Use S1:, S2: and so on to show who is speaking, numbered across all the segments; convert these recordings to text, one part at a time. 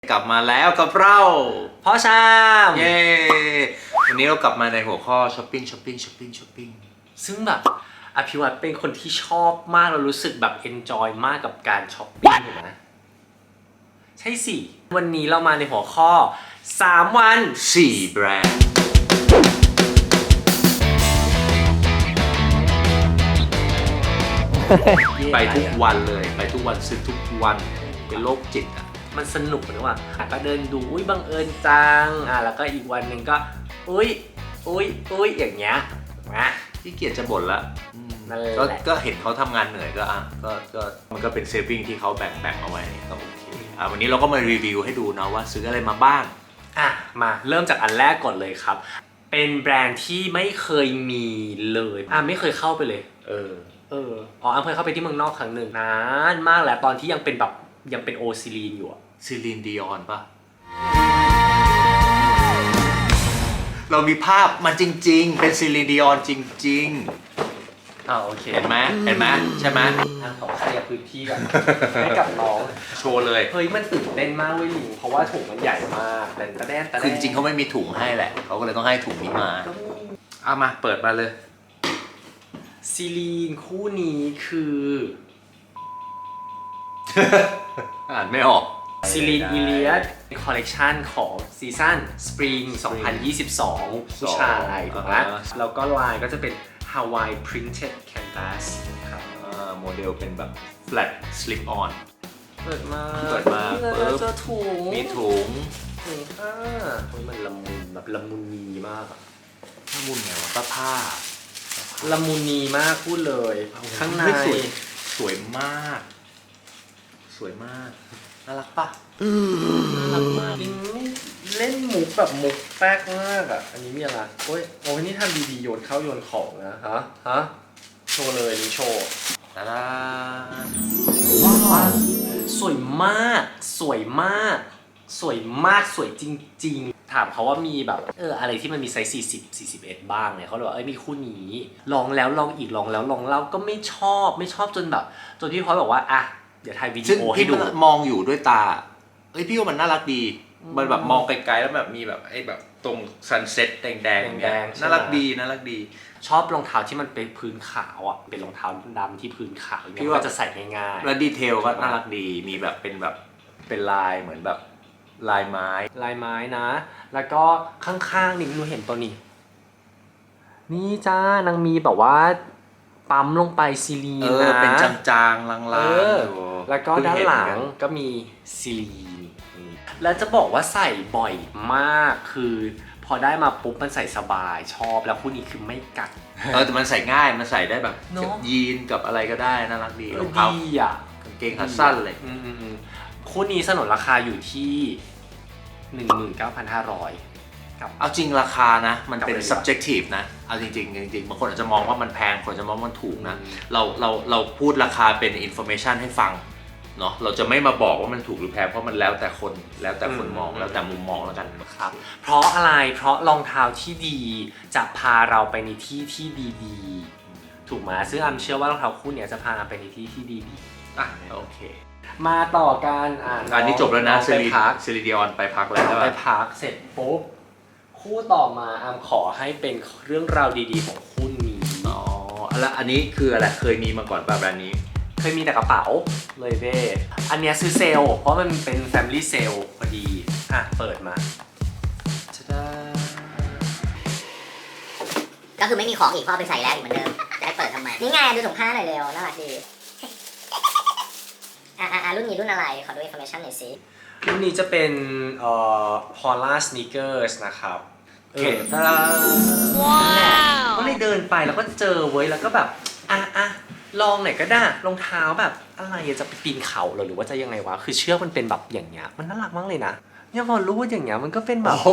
S1: กลับมาแล้วกับเรา
S2: พ่อชาม
S1: เย้วันนี้เรากลับมาในหัวข้อช้อปปิ้ง
S2: ซึ่งแบบอภิวัตเป็นคนที่ชอบมากเรารู้สึกแบบเอนจอยมากกับการช้อปปิ้งถูกไหมใช่สิวันนี้เรามาในหัวข้อ3 วัน
S1: 4 แบรนด์ไปทุกวันเลยไปทุกวันซื้อทุกวันเป็นโรคจิตอ่ะ
S2: มันสนุกนะว่าก็เดินดูอุ้ยบังเอิญจังแล้วก็อีกวันหนึ่งก็อุ้ยอย่างเงี้ยนะ
S1: ที่เกียจจะบ่นละก็เห็นเขาทำงานเหนื่อยก็มันก็เป็นเซฟวิ่งที่เขาแบ่งเอาไว้ก็โอเควันนี้เราก็มารีวิวให้ดูนะว่าซื้ออะไรมาบ้าง
S2: มาเริ่มจากอันแรกก่อนเลยครับเป็นแบรนด์ที่ไม่เคยมีเลยไม่เคยเข้าไปเลยเคยเข้าไปที่เมืองนอกครั้งหนึ่งนานมากแล้วตอนที่ยังเป็นโอซิลีนอยู่
S1: ซิลีนดิออนป่ะเรามีภาพมันจริงๆเป็นซิลีนดิออนจริง
S2: โอเค
S1: เห็นไหมใช่ไหม
S2: ขอเคลียร์พื้นที่ก่อนให้กับน้อง
S1: โชว์เลย
S2: เฮ้ยมันตื่นเต้นมากเว้ยหลิงเพราะว่าถุงมันใหญ่มากแต่
S1: คือจริงเขาไม่มีถุงให้แหละเขาก็เลยต้องให้ถุงนี้มามาเปิดมาเลย
S2: ซิลีนคู่นี้คือ
S1: อ่านไม่ออก
S2: ซิลีนอีเลียสคอลเลกชันของซีซั่นสปริง 2022 ผู้ชายถูกไหมแล้วก็ลายก็จะเป็น Hawaii Printed Canvas ครับ
S1: โมเดลเป็นแบบ flat slip on
S2: เปิดมาเจอถุง
S1: มีถุง
S2: มันละมุนแบบละมุนนีมาก
S1: ละมุนไงวะผ้า
S2: ละมุนนีมากพูดเลยข้างใน
S1: สวยมากน่ารักปะ
S2: น่ารักมากเล่นมุกแบบมุกแป๊กมากอันนี้มีอะไรโอ้ยนี่ทำดีๆโยนเข้าโยนของนะฮะโชว์เลยนี่โชว์
S1: ตาดา
S2: สวยมากสวยจริงๆถามเขาว่ามีแบบอะไรที่มันมีไซส์40-41บ้างเนี่ยเขาเลยว่ามีคู่นี้ลองแล้วลองอีกลองแล้วลองเล่าก็ไม่ชอบจนแบบจนพี่พอยบอกว่าเดี๋ยวถ่ายวิดีโอให้ดู
S1: มองอยู่ด้วยตาพี่ว่ามันน่ารักดีมันแบบมองไกลๆแล้วแบบมีแบบแบบตรงซันเซ็ตแดงน่ารักดี
S2: ชอบรองเท้าที่มันเป็นพื้นขาวเป็นรองเท้าดำที่พื้นขาวอย่างเงี้ยก็จะใส่ง่ายๆ
S1: แล้วดีเทลก็น่ารักดีมีแบบเป็นลายเหมือนแบบลายไม้
S2: นะแล้วก็ข้างๆนี่หนูเห็นตัวนี้นี่จ้านางมีแบบว่าปั๊มลงไปซิลีนนะ
S1: เป็นจางๆลาง
S2: ๆแล้วก็ด้านหลังก็มีซิลีนแล้วจะบอกว่าใส่บ่อยมากคือพอได้มาปุ๊บมันใส่สบายชอบแล้วคู่นี้คือไม่กัด
S1: แต่มันใส่ง่ายมันใส่ได้แบบกับยีนกับอะไรก็ได้น่ารักดี
S2: รองเท้
S1: ากางเกงขาสั้นเลย
S2: คู่นี้สนนราคาอยู่ที่ 19,500
S1: เอาจริงราคานะมันเป็น subjective นะเอาจริงบางคนอาจจะมองว่ามันแพงคนจะมองว่ามันถูกนะเราพูดราคาเป็น information ให้ฟังเนาะเราจะไม่มาบอกว่ามันถูกหรือแพงเพราะมันแล้วแต่คนมองแล้วแต่มุมมองแล้วกัน
S2: ครับเพราะอะไรเพราะรองเท้าที่ดีจะพาเราไปในที่ที่ดีๆถูกไหมซึ่งเชื่อว่ารองเท้าคู่นี้จะพาไปในที่ที่ดี
S1: โอเค
S2: มาต่อกัน
S1: อันนี้จบแล้วนะซิลิดิออนไปพักแล้ว
S2: ไปพักเสร็จปุ๊บคู่ต่อมาขอให้เป็นเรื่องราวดีๆของคู่นี้
S1: แล้วอันนี้คืออะไรเคยมีมาก่อนป่ะแบรนด์นี้
S2: เคยมีแต่กระเป๋าเลยเว้ยอันนี้ซื้อเซลล์เพราะมันเป็น Family Sale พอดีเปิดมา
S3: ก็คือไม่มีของอีกเพราะเอาไปใส่แล้วอีกเหมือนเดิมจะให้เปิดทำไมนี่ไงดูถุงผ้าหน่อยเร็วน่ารักดีรุ่นนี้รุ่นอะไรขอดู information หน่อยสิ
S2: รุ่นนี้จะเป็นPaula Sneakers นะครับ
S3: ว้าว
S2: ก็เลยเดินไปแล้วก็เจอเว้ยแล้วก็แบบลองไหนก็ได้รองเท้าแบบอะไรจะไปปีนเขาหรือว่าจะยังไงวะคือเชือกมันเป็นแบบอย่างเงี้ยมันน่ารักมากเลยนะเนี่ยพอรู้ว่าอย่างเงี้ยมันก็เป็นแบบ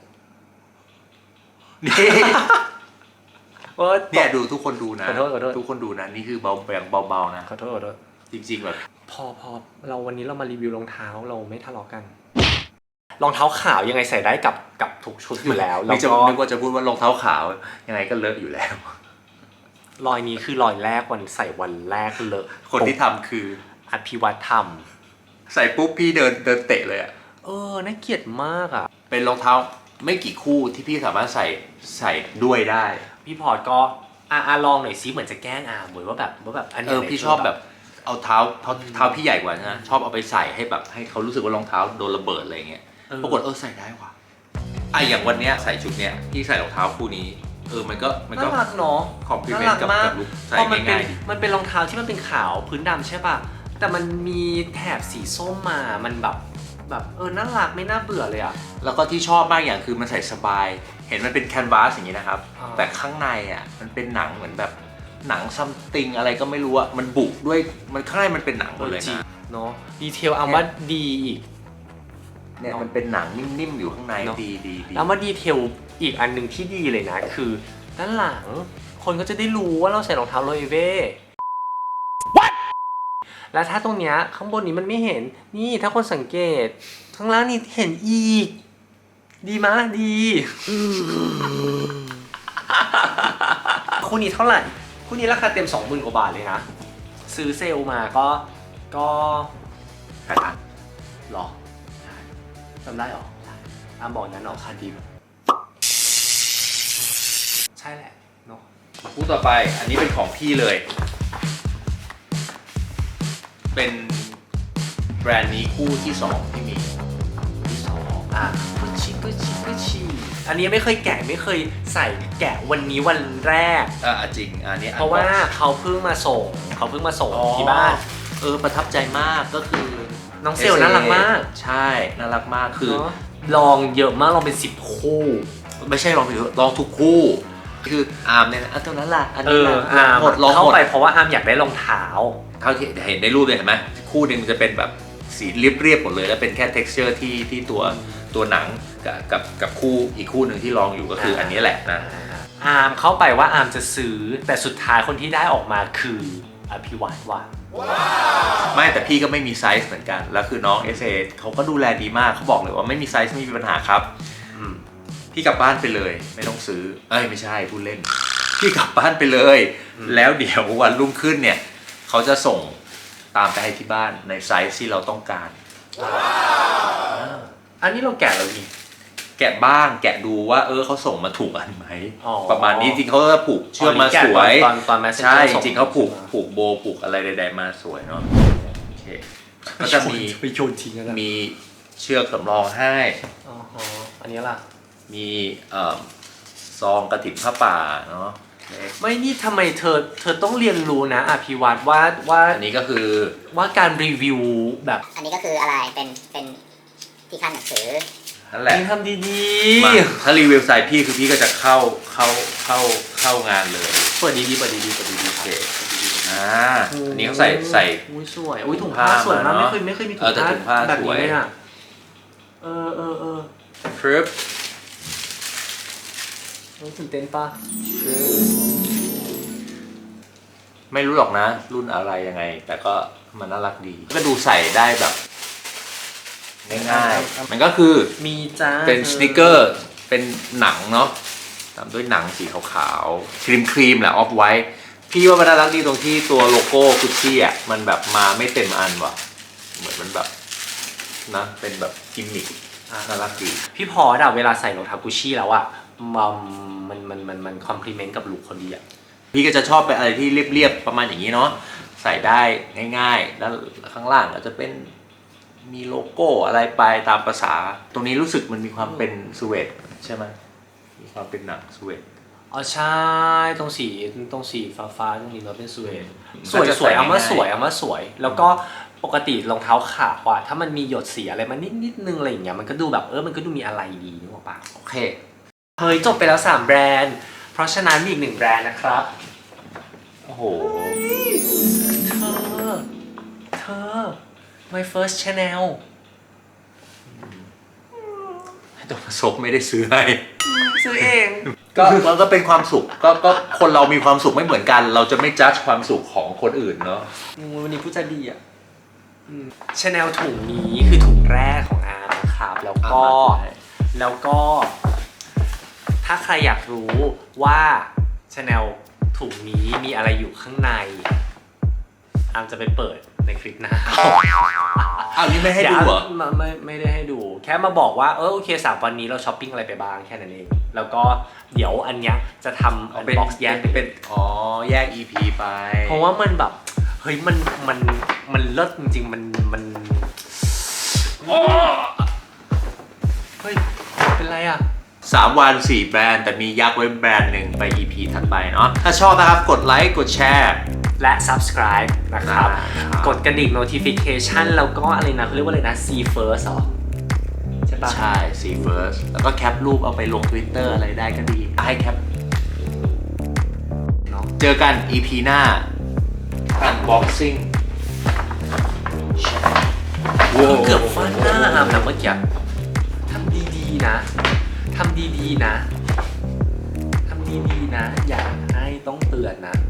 S1: เนี่ยดูทุกคนดูนะ
S2: ขอโทษ
S1: ทุกคนดูนะนี่คือเบาๆนะ
S2: ขอโทษ
S1: จริงๆแบบ
S2: พอเราวันนี้เรามารีวิวรองเท้าเราไม่ทะเลาะกันรองเท้าขาวยังไงใส่ได้กับทุกชุดอยู่แล้ว
S1: แล้วก็นึกว่าจะพูดว่ารองเท้าขาวยังไงก็เลอะอยู่แล้ว
S2: รอยนี้คือรอยแรกวันใส่วันแรกเลอะ
S1: คนที่ทำคือ
S2: อภิวัตทำ
S1: ใส่ปุ๊บพี่เดินเตะเลย
S2: น่าเกลียดมากอ่ะ
S1: เป็นรองเท้าไม่กี่คู่ที่พี่สามารถใส่ด้วยได้
S2: พี่พอร์ตก็ลองหน่อยซิเหมือนจะแกล้งอาร์มเหมือนว่าแบบอันนี้
S1: พี่ชอบแบบเอาเท้าพี่ใหญ่กว่านะชอบเอาไปใส่ให้แบบให้เขารู้สึกว่ารองเท้าโดนระเบิดอะไรเงี้ยปรากฏใส่ได้ว่ะอย่างวันเนี้ยใส่ชุดเนี้ยพี่ใส่รองเท้าคู่นี้มันก็
S2: น่ารักเนาะ
S1: คอมพลีเมนต์กับลุคใส่
S2: เพราะมันเป็น
S1: ง่ายๆดี
S2: มันเป็นรองเท้าที่มันเป็นขาวพื้นดำใช่ป่ะแต่มันมีแถบสีส้มมามันแบบน่ารักไม่น่าเบื่อเลยอ่ะ
S1: แล้วก็ที่ชอบมากอย่างคือมันใส่สบาย เห็นมันเป็นแคนวาสอย่างนี้นะครับ แต่ข้างในอ่ะมันเป็นหนังเหมือนแบบหนังซัมติงอะไรก็ไม่รู้อ่ะมันบุด้วยมันข้างในมันเป็นหนังหมดเลยนะ
S2: เนาะดีเทลอาร์มว่าดีอีก
S1: เนี่ยมันเป็นหนังนิ่มๆอยู่ข้างใน
S2: เนอะ
S1: ดี
S2: แล้วมาดีเทลอีกอันหนึ่งที่ดีเลยนะคือด้านหลังคนก็จะได้รู้ว่าเราใส่รองเท้าโรเอเว่ แล้วถ้าตรงเนี้ยข้างบนนี้มันไม่เห็นนี่ถ้าคนสังเกตข้างล่างนี่เห็นอีกดีมะดีคู่นี้เท่าไหร่คู่นี้ราคาเต็ม 20,000 กว่าบาทเลยนะซื้อเซลล์มาก็8,000หรอจำได้หรอบอกนั้นราคาดีใช่แหละเนาะ
S1: คู่ต่อไปอันนี้เป็นของพี่เลยเป็นแบรนด์นี้คู่ที่2ที่มี
S2: ที่2กุชชี่อันนี้ไม่เคยแกะไม่เคยใส่แกะวันนี้วันแรก
S1: จริงอันนี้
S2: เพราะว่าเขาเพิ่งมาส่งที่บ้าน
S1: ประทับใจมากก็คือ
S2: น้องเซลน่ารักมาก
S1: ใช่น่ารักมากคือ
S2: ลองเยอะมากลองเป็น10คู่
S1: ไม่ใช่ลองทุกคู่คืออาร์มเนี่ยนะตัวนั้นล่ะอันนี้
S2: อาร์มเข้าไปเพราะว่าอาร์มอยากได้รองเท้า
S1: เท่าที่เห็นในรูปเลยเห็นไหมคู่หนึ่งมันจะเป็นแบบสีเรียบๆหมดเลยแล้วเป็นแค่ texture ที่ตัวหนังกับคู่อีกคู่หนึ่งที่ลองอยู่ก็คืออันนี้แหละนะ
S2: อาร์มเข้าไปว่าอาร์มจะซื้อแต่สุดท้ายคนที่ได้ออกมาคืออภิวัตว่ะ
S1: ไม่แต่พี่ก็ไม่มีไซส์เหมือนกันแล้วคือน้อง SA เขาก็ดูแลดีมากเขาบอกเลยว่าไม่มีไซส์ไม่มีปัญหาครับพี่กลับบ้านไปเลยไม่ต้องซื้อไม่ใช่พูดเล่นพี่กลับบ้านไปเลยแล้วเดี๋ยววันรุ่งขึ้นเนี่ยเขาจะส่งตามไปให้ที่บ้านในไซส์ที่เราต้องการ
S2: อันนี้เราแกะแล้วดิ
S1: แกะบ้างแกะดูว่าเขาส่งมาถูกอันไหมประมาณนี้จริงเขาจะผูกเชือกมาสวย
S2: ตอน
S1: ใช่จริงเขาผูกโบผูกอะไรใดๆมาสวยเนาะโอเคก็จะมี
S2: โยนทิ้งนะ
S1: มีเชือกสำรองให้
S2: อันนี้ล่ะ
S1: มีซองกฐินผ้าป่าเนาะ
S2: ไม่นี่ทำไมเธอต้องเรียนรู้นะอภิวัตว่า
S1: อันนี้ก็คือ
S2: ว่าการรีวิวแบบ
S3: อันนี้ก็คืออะไรเป็นที่ขั้นหนังสือ
S1: นั่นแหละ
S2: ทำดี
S1: ๆถ้ารีวิวไซส์พี่คือพี่ก็จะเข้างานเลย
S2: เปิดดีโอเค
S1: อันนี้เขาใส่
S2: อุ้ยสวยอุ้ยถุงผ้าสวยมากไม่เคยมีถุงผ้าแบบนี้เลยอ่ะ
S1: ฟรึบ
S2: ตื่นเต้นปะ
S1: ไม่รู้หรอกนะรุ่นอะไรยังไงแต่ก็มันน่ารักดีก็ดูใส่ได้แบบง่ายๆมันก็คือ
S2: มีจ้า
S1: เป็นสนิเกอร์เป็นหนังเนาะตามด้วยหนังสีขาวๆครีมแหละออฟไวท์พี่ว่ามันน่ารักดีตรงที่ตัวโลโก้กุชชี่อ่ะมันแบบมาไม่เต็มอันว่ะเหมือนมันแบบนะเป็นแบบกิมมิคน่ารักดี
S2: พี่พอดเวลาใส่รองเท้ากุชชี่แล้วอ่ะมันคอมพลีเมนต์กับลุคคนดีอ่ะ
S1: พี่ก็จะชอบไปอะไรที่เรียบๆประมาณอย่างนี้เนาะใส่ได้ง่ายๆแล้วข้างล่างก็จะเป็นมีโลโก้อะไรไปตามภาษาตรงนี้รู้สึกมันมีความเป็นสวีทใช่ไหมมีความเป็นหนังสวีท
S2: ใช่ตรงสีฟ้าตรงนี้มันเป็นสวีทสวยเอามาสวยแล้วก็ปกติรองเท้าขาวอ่ะถ้ามันมีหยดสีอะไรมานิดนึงอะไรอย่างเงี้ยมันก็ดูแบบมันก็ดูมีอะไรดีนึกออกปะ
S1: โอเค
S2: เฮ้ยจบไปแล้ว3แบรนด์เพราะฉะนั้นมีอีก1แบรนด์นะครับ
S1: โอ้โห
S2: เธอ my first channel
S1: ตัวผสมไม่ได้ซื้อให้
S2: ซื้อเอง
S1: ก็เป็นความสุขก็คนเรามีความสุขไม่เหมือนกันเราจะไม่จัดความสุขของคนอื่นเนาะ
S2: วันนี้ผู้ใจดีอ่ะChanel ถุงนี้คือถุงแรกของอาร์มนะครับแล้วก็ถ้าใครอยากรู้ว่า Chanel ถุงนี้มีอะไรอยู่ข้างในอาร์มจะไปเปิดในคลิปหน้า
S1: อ้าวนี่ไม่ให้ดูเหรอ
S2: ไม่ได้ให้ดู แค่มาบอกว่าโอเค3วันนี้เราช้อปปิ้งอะไรไปบ้างแค่นั้นเองแล้วก็เดี๋ยวอันเนี้ยจะทำอันบ็อกซ์แยกเป็น
S1: แยก EP ไป
S2: เพราะว่ามันแบบเฮ้ยมันเลิศจริงๆมันโอ้เฮ้ยเป็นไรอ่ะ
S1: 3 วัน 4 แบรนด์แต่มียักษ์ไว้แบรนด์หนึ่งไป EP ถัดไปเนาะถ้าชอบนะครับกดไลค์กดแชร์
S2: และ subscribe นะครับ
S1: ครับ
S2: กดกระดิ่ง notification แล้วก็อะไรนะเขาเรียกว่าอะไรนะ see first เหรอใช่ปะ
S1: ใช่ See First แล้วก็แคปรูปเอาไปลง Twitter อะไรได้ก็ดีให้แคป
S2: เนาะ
S1: เจอกัน EP หน้า Unboxing
S2: เกือบฟาดหน้าอามนะเมื่อกี้ทำดีๆนะทำดีๆนะ อย่าให้ต้องเตือนนะ